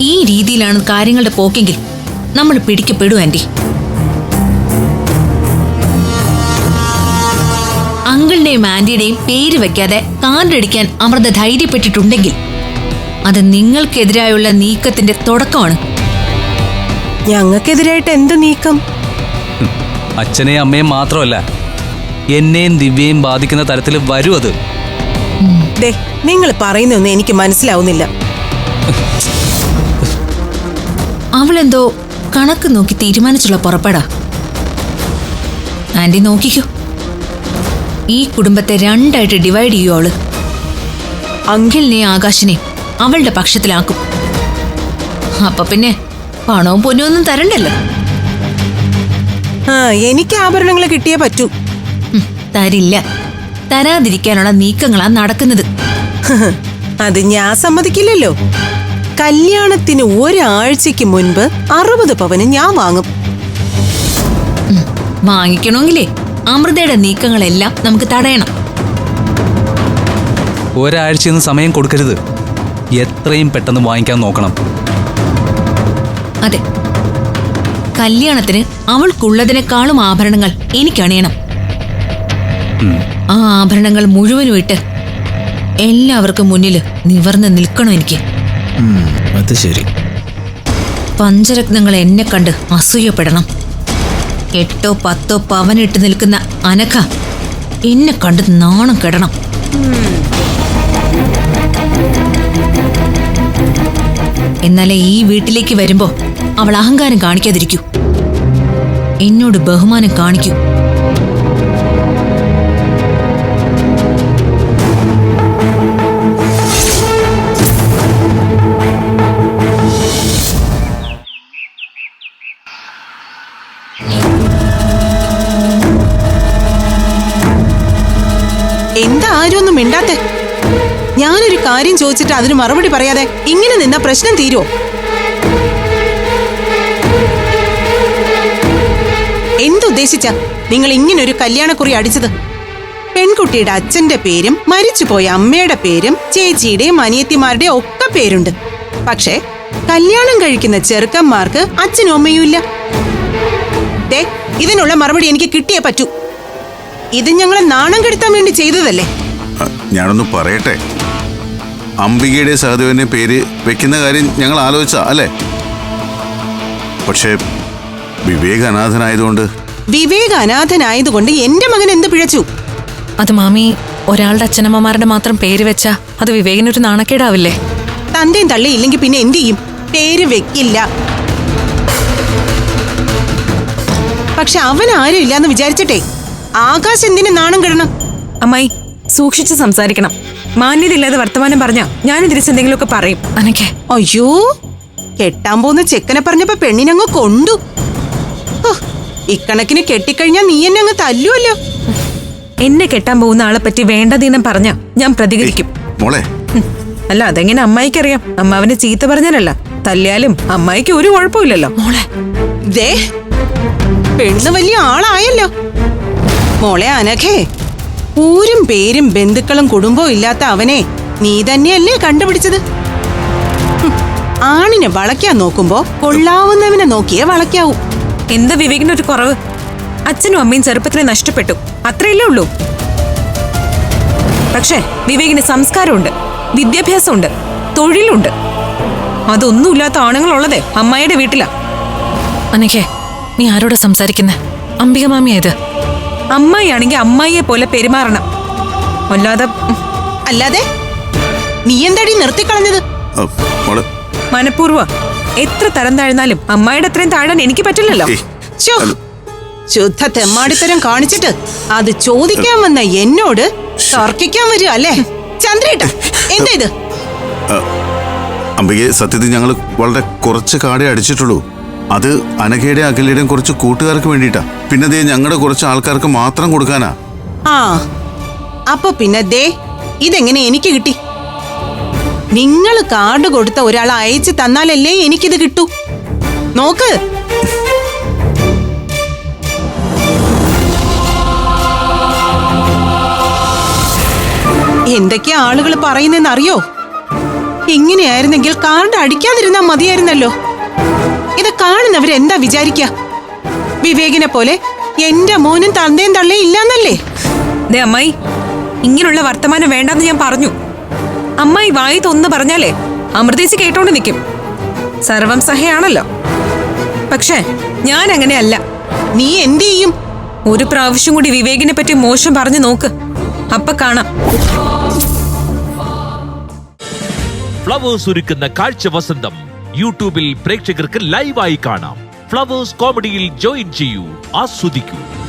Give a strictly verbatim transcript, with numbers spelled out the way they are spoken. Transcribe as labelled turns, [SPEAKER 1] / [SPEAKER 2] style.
[SPEAKER 1] ഈ രീതിയിലാണ് കാര്യങ്ങളുടെ പോക്കെങ്കിൽ നമ്മൾ പിടിക്കപ്പെടും ആന്റി. അങ്കിളിന്റെയും ആന്റിയുടെയും പേര് വെക്കാതെ കാർഡടിക്കാൻ അമൃത ധൈര്യപ്പെട്ടിട്ടുണ്ടെങ്കിൽ അത് നിങ്ങൾക്കെതിരായുള്ള നീക്കത്തിന്റെ തുടക്കമാണ്.
[SPEAKER 2] ഞങ്ങൾക്കെതിരായിട്ട് എന്ത് നീക്കം?
[SPEAKER 3] അച്ഛനെയും അമ്മയും മാത്രമല്ല, എന്നെയും ദിവ്യയും ബാധിക്കുന്ന തരത്തിൽ വരും അത്.
[SPEAKER 2] നിങ്ങൾ പറയുന്നൊന്നും എനിക്ക് മനസ്സിലാവുന്നില്ല.
[SPEAKER 1] അവളെന്തോ കണക്ക് നോക്കി തീരുമാനിച്ചുള്ള പുറപ്പെടാ. ആന്റി നോക്കിക്കോ, ഈ കുടുംബത്തെ രണ്ടായിട്ട് ഡിവൈഡ് ചെയ്യൂ അവള്. അങ്കിളിനെയും ആകാശിനെയും അവളുടെ പക്ഷത്തിലാക്കും. അപ്പൊ പിന്നെ പണവും പൊന്നും ഒന്നും തരണ്ടല്ലോ.
[SPEAKER 2] ആ എനിക്ക് ആഭരണങ്ങൾ കിട്ടിയേ പറ്റൂ.
[SPEAKER 1] തരില്ല. തരാതിരിക്കാനുള്ള നീക്കങ്ങളാ നടക്കുന്നത്.
[SPEAKER 2] അത് ഞാൻ സമ്മതിക്കില്ലല്ലോ. കല്യാണത്തിന് ഒരാഴ്ചക്ക് മുൻപ് അറുപത് പവന് ഞാൻ വാങ്ങും.
[SPEAKER 1] വാങ്ങിക്കണമെങ്കിലേ അമൃതയുടെ നീക്കങ്ങളെല്ലാം നമുക്ക് തടയണം.
[SPEAKER 3] ഒരാഴ്ചയൊന്നും സമയം കൊടുക്കരുത്. എത്രയും പെട്ടെന്ന് വാങ്ങിക്കാൻ നോക്കണം.
[SPEAKER 1] അതെ, കല്യാണത്തിന് അവൾക്കുള്ളതിനേക്കാളും ആഭരണങ്ങൾ എനിക്കണിയണം. ആ ആഭരണങ്ങൾ മുഴുവനും ഇട്ട് എല്ലാവർക്കും മുന്നിൽ നിവർന്ന് നിൽക്കണം എനിക്ക്.
[SPEAKER 4] അത് ശരി.
[SPEAKER 1] പഞ്ചരത്നങ്ങൾ എന്നെ കണ്ട് അസൂയപ്പെടണം. എട്ടോ പത്തോ പവനിട്ട് നിൽക്കുന്ന അനഘ എന്നെ കണ്ട് നാണം കെടണം. എന്നാലേ ഈ വീട്ടിലേക്ക് വരുമ്പോ അവൾ അഹങ്കാരം കാണിക്കാതിരിക്കൂ, എന്നോട് ബഹുമാനം കാണിക്കൂ.
[SPEAKER 2] എന്താ ആരും ഒന്നും മിണ്ടാത്തെ? ഞാനൊരു കാര്യം ചോദിച്ചിട്ട് അതിന് മറുപടി പറയാതെ ഇങ്ങനെ നിന്ന പ്രശ്നം തീരുവോ? എന്തുദ്ദേശിച്ച നിങ്ങൾ ഇങ്ങനൊരു കല്യാണക്കുറി അടിച്ചത്? പെൺകുട്ടിയുടെ അച്ഛന്റെ പേരും മരിച്ചുപോയ അമ്മയുടെ പേരും ചേച്ചിയുടെയും അനിയത്തിമാരുടെയും ഒക്കെ പേരുണ്ട്. പക്ഷേ കല്യാണം കഴിക്കുന്ന ചെറുക്കന്മാർക്ക് അച്ഛനും അമ്മയും ഇല്ല. ദേ, ഇതിനുള്ള മറുപടി എനിക്ക് കിട്ടിയേ പറ്റൂ. ഇത് ഞങ്ങളെ നാണം കെടുത്താൻ വേണ്ടി ചെയ്തതല്ലേ?
[SPEAKER 5] ഞാനൊന്ന് പറയട്ടെ. അംബികയുടെ സഹദേവന്റെ പേര് വെക്കുന്ന കാര്യം ഞങ്ങൾ ആലോചിച്ച അല്ലേ? പക്ഷേ വിവേക് അനാഥനായതുകൊണ്ട്
[SPEAKER 2] വിവേക് അനാഥനായതുകൊണ്ട് എന്റെ മകൻ എന്ത് പിഴച്ചു?
[SPEAKER 6] അത് മാമി, ഒരാളുടെ അച്ഛനമ്മമാരുടെ മാത്രം പേര് വെച്ചാ അത് വിവേകിനൊരു നാണക്കേടാവില്ലേ?
[SPEAKER 2] തന്തയും തള്ളി ഇല്ലെങ്കിൽ പിന്നെ എന്ത് ചെയ്യും? പേര് വെക്കില്ല. പക്ഷെ അവൻ ആരും ഇല്ലാന്ന് വിചാരിച്ചിട്ടേ ആകാശ് എന്തിനു നാണം കിടണം?
[SPEAKER 6] അമ്മായി, സൂക്ഷിച്ച് സംസാരിക്കണം. മാന്യതയില്ലാതെ വർത്തമാനം പറഞ്ഞാ ഞാനും തിരിച്ചെന്തെങ്കിലുമൊക്കെ പറയും. അനക്കെ
[SPEAKER 2] അയ്യോ, കെട്ടാൻ പോകുന്ന ചെക്കനെ പറഞ്ഞപ്പോ പെണ്ണിനങ്ങ് കൊണ്ടു. ഇക്കണക്കിന് കെട്ടിക്കഴിഞ്ഞാ നീ എന്നെ അങ്ങ് തല്ലുവല്ലോ.
[SPEAKER 6] എന്നെ കെട്ടാൻ പോകുന്ന ആളെ പറ്റി വേണ്ടതീനം പറഞ്ഞാ ഞാൻ പ്രതികരിക്കും.
[SPEAKER 5] മോളെ,
[SPEAKER 6] അല്ല അതെങ്ങനെ അമ്മായിക്കറിയാം? അമ്മാവനെ ചീത്ത പറഞ്ഞാലല്ല, തല്ലിയാലും അമ്മായിക്ക് ഒരു കുഴപ്പമില്ലല്ലോ. മോളെ
[SPEAKER 2] ദേ, പെണ്ണ് വലിയ ആളായല്ലോ. മോളെ അനഘേ, ഊരും പേരും ബന്ധുക്കളും കുടുംബവും ഇല്ലാത്ത അവനെ നീ തന്നെയല്ലേ കണ്ടുപിടിച്ചത്? ആണിനെ വളയ്ക്കാൻ നോക്കുമ്പോ കൊള്ളാവുന്നവനെ നോക്കിയേ വളയ്ക്കാവൂ.
[SPEAKER 6] എന്താ വിവേകിനൊരു കുറവ്? അച്ഛനും അമ്മയും ചെറുപ്പത്തിനെ നഷ്ടപ്പെട്ടു, അത്രയല്ലേ ഉള്ളൂ. പക്ഷേ വിവേകിന് സംസ്കാരമുണ്ട്, വിദ്യാഭ്യാസമുണ്ട്, തൊഴിലുണ്ട്. അതൊന്നുമില്ലാത്ത ആണുങ്ങളുള്ളതേ അമ്മായിയുടെ വീട്ടിലാ. അനക്കേ, നീ ആരോടാ സംസാരിക്കുന്നേ? അംബിക മാമിയായത്. അമ്മായിയാണെങ്കിൽ അമ്മായിയെ പോലെ പെരുമാറണം, അല്ലാതെ
[SPEAKER 2] അല്ലാതെ നീ എന്താടി നിർത്തിക്കളഞ്ഞത്?
[SPEAKER 6] മനഃപൂർവ്വ. എത്ര തരം താഴ്ന്നാലും അമ്മായിയുടെ അത്രയും താഴാൻ എനിക്ക് പറ്റില്ലല്ലോ.
[SPEAKER 2] ശുദ്ധ തെമ്മാടിത്തരം കാണിച്ചിട്ട് അത് ചോദിക്കാൻ വന്ന എന്നോട് തർക്കിക്കാൻ വരിക അല്ലേ? ചന്ദ്രേട്ട, എന്താ ഇത്?
[SPEAKER 5] അംബികയെ, സത്യത്തിൽ ഞങ്ങൾ വളരെ കുറച്ച് കാടേ അടിച്ചിട്ടുള്ളൂ. അത് അനഘയുടെയും അഖിലയുടെയും കുറച്ച് കൂട്ടുകാർക്ക് വേണ്ടിയിട്ടാ. പിന്നെ ദേ ഞങ്ങളുടെ കുറച്ച് ആൾക്കാർക്ക് മാത്രം കൊടുക്കാനാ.
[SPEAKER 2] ആ, അപ്പൊ പിന്നെ ദേ ഇതെങ്ങനെ എനിക്ക് കിട്ടി? നിങ്ങൾ കാർഡ് കൊടുത്ത ഒരാൾ അയച്ചു തന്നാലല്ലേ എനിക്കിത് കിട്ടൂ. നോക്ക്. എന്തൊക്കെയാ ആളുകൾ പറയുന്നെന്ന് അറിയോ? ഇങ്ങനെയായിരുന്നെങ്കിൽ കാർഡ് അടിക്കാതിരുന്നാ മതിയായിരുന്നല്ലോ. ഇത് കാണുന്നവരെന്താ വിചാരിക്ക? വിവേകിനെ പോലെ എന്റെ മോനും തന്തയും തള്ളയും ഇല്ലാന്നല്ലേ?
[SPEAKER 6] ദേ അമ്മായി, ഇങ്ങനെയുള്ള വർത്തമാനം വേണ്ടെന്ന് ഞാൻ പറഞ്ഞു. അമ്മായി വായി തൊന്ന് പറഞ്ഞാലേ അമൃതേച്ചി കേട്ടോണ്ട് നിൽക്കും. സർവം സഹയാണല്ലോ. പക്ഷേ ഞാൻ അങ്ങനെയല്ല.
[SPEAKER 2] നീ എന്ത് ചെയ്യും?
[SPEAKER 6] ഒരു പ്രാവശ്യം കൂടി വിവേകിനെ പറ്റി മോശം പറഞ്ഞു നോക്ക്, അപ്പൊ കാണാം.
[SPEAKER 7] ഫ്ലവേഴ്സ് ഒരുക്കുന്ന കാഴ്ച വസന്തം യൂട്യൂബിൽ പ്രേക്ഷകർക്ക് ലൈവായി കാണാം. ഫ്ലവേഴ്സ് കോമഡിയിൽ ജോയിൻ ചെയ്യൂ, ആസ്വദിക്കൂ.